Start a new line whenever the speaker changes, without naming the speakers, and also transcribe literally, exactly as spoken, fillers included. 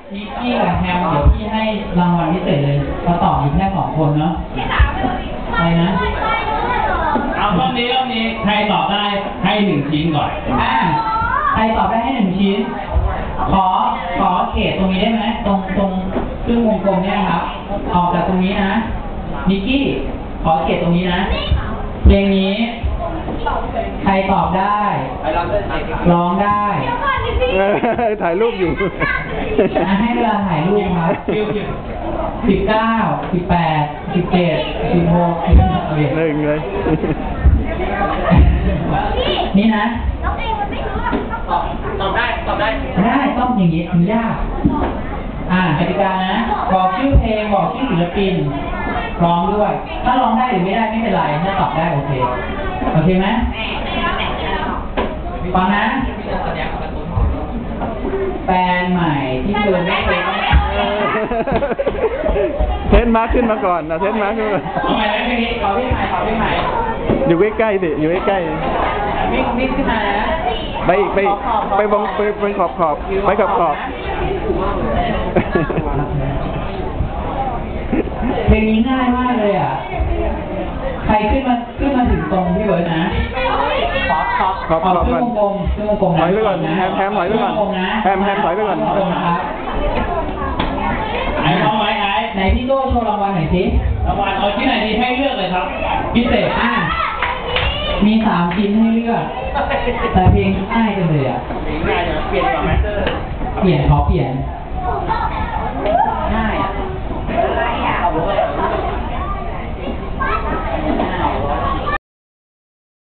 นิกกี้กับแฮมเดี๋ยวพี่ให้รางวัลพิเศษเลยเขาตอบอยู่แค่สองคนเนาะอะไรนะ
เอารอบนี้รอบนี้ใครตอบได้ให้หนึ่งชิ้นก่อน
อ่าใครตอบได้ให้หนึ่งชิ้นขอขอเขตตรงนี้ได้ไหมตรงตรงครึ่งวงกลมเนี่ยครับออกจากตรงนี้นะนิกกี้ขอเขตตรงนี้นะเพลงนี้ใครตอบได้ร้องได้
ถ่ายรูปอยู่
ให้เวลาถ่ายรูปครับสิบเก้าสิบแปดสิบเจ็ดสิบหกสิบ
หนึ่งเลย
นี่นะ
ตอบได้ตอบได้
ได้ต้องอย่างนี้ถึงยากอ่ากติกานะบอกชื่อเพลงบอกชื่อศิลปินร้องด้วยถ้าร้องได้หรือไม่ได้ไม่เป็นไรถ้าตอบได้โอเคโอเคไหมฟังนะแฟนใหม่ที่เธอไม่เคย
เทนมาร์คขึ้นมาก่อนนะเทนมาร์คขึ้นมา
ทำไมไม่พี่ขอพี่ใหม่ขอพี่ใหม่
อยู่ใกล้ๆสิอยู่ใกล้
ๆวิ่งวิ่งขึ้นมานะ
ไปอีกไปไปบงไปไปขอบขอบไปขอบขอบ
เพลงนี้ง่ายมากเลยอ่ะใครขึ้นมาขึ้นมาถึงตรงพี่เบิร์ดนะขอขอ
ขอบขอบ
ขึ้นวงกลมขึ้นวงกลม
ถอยไปก่อนแฮมแฮมถอยไปก่อนแฮมแฮมถอยไปก่อน
ครับ
ไอ้น้องไอ้ไอ้
ไหนพี่โก้โชว์รางวัลหน่อยสิ
รางวัลเอาที่ไหนดีให้เลือกเลยครับ
พิเศษอ่ะมีสามชิ้นให้เลือกแต่เพลงง่ายจังเลยอ่ะ
ง่ายจะเปลี่ยนก่อนไหม
เปลี่ยนขอเปลี่ยน